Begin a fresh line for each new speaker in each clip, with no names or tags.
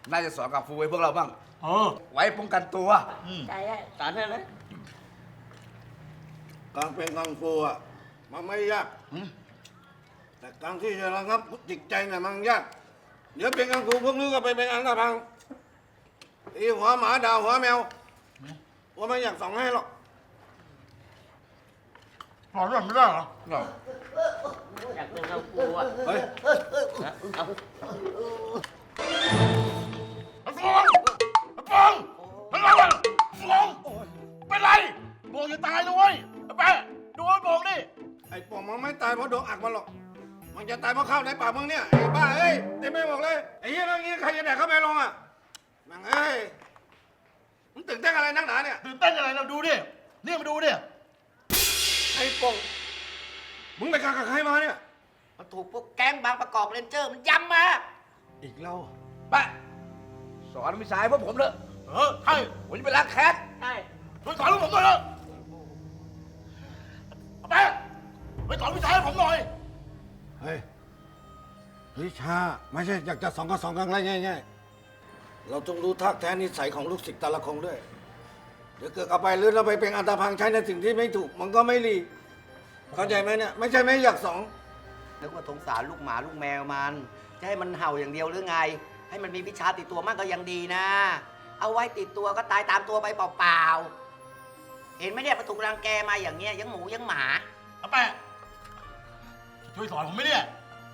น่าจะสอนกับฟูไว้พวกเราบ้างไว้ป้องกันตัว
ใจได้สอนเถอะนะ
การเป็นกังฟูอ่ะมันไม่ยากแต่การที่จะระงับจิตใจเนี่ยมันยากเดี๋ยวเป็นกังฟูพวกนี้ก็ไปเป็นอันธพาลตีหัวหมาด่าหัวแมวว่าไม่อยากสอนให้หรอก
สอนแบบไม่ได้เหรอ
อยากเป็นกังฟูอ่ะ
เฮ้ย
เอา
ไอ้ฟองไอ้ฟองเป็นไรวะฟองเป็นไรโบกจะตายนะเว้ยไอ้แปะดูไอ้โบกดิ
ไอ้ปองมันไม่ตายเพราะโดนอักมันหรอกมันจะตายเพราะข้าวในปากมึงเนี่ยไอ้บ้าเอ้ยเต็มไปหมดเลยไอ้เหี้ยเรื่องนี้ใครจะแดกเข้าไปลงอ่ะมังเอ้ยมึงตื่นเต้นอะไรนักหนาเนี่ย
ตื่นเต้นอะไรเราดูดิเนี่ยมาดูดิ
ไอ้ปองมึงไปกักกับใครมาเนี่ย
มันถูกพวกแก๊งบางประกอบเรนเจอร์มันย้ำมา
อีกแล้ว
ไปสอนวิชาให้พวกผมเถอะ
ใช่
ผมจะไปล้างแค้น
ใช่
ไปสอนลูกผมด้วยนะไอ้แปะไปสอนวิชาให้ผมหน่อย
เฮ้ยวิชาไม่ใช่อยากจะสองก็สองกันง่ายๆเราต้องรู้ท่าแท้นิสัยของลูกศิษย์แต่ละคนด้วย เดี๋ยวเกิดเอาไปหรือเราไปเป็นอันตพังใช้ในสิ่งที่ไม่ถูกมันก็ไม่ดีเข้าใจไหมเนี่ยไม่ใช่ไม่อยากสอง
นึกว่าสงสารลูกหมาลูกแมวมันจะให้มันเห่าอย่างเดียวหรือไง ให้มันมีวิชาติดตัวมากก็ยังดีนะ เอาไว้ติดตัวก็ตายตามตัวไปเปล่าๆเห็นไหมเนี่ยมันถูกรังแกมาอย่างเงี้ยยังหมูยังหมา
ไอ้แปะช่วยสอนผมไหมเนี่ย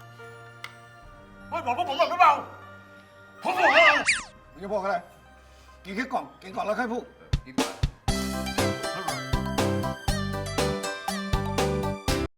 ช่วยบอกพวกผมหน่อยได้เปล่าผมบอกแล้ว
มึงจะพูดอะไรกินแค่กล่องกินก่อนแล้วค่อยพูด
กินก่อน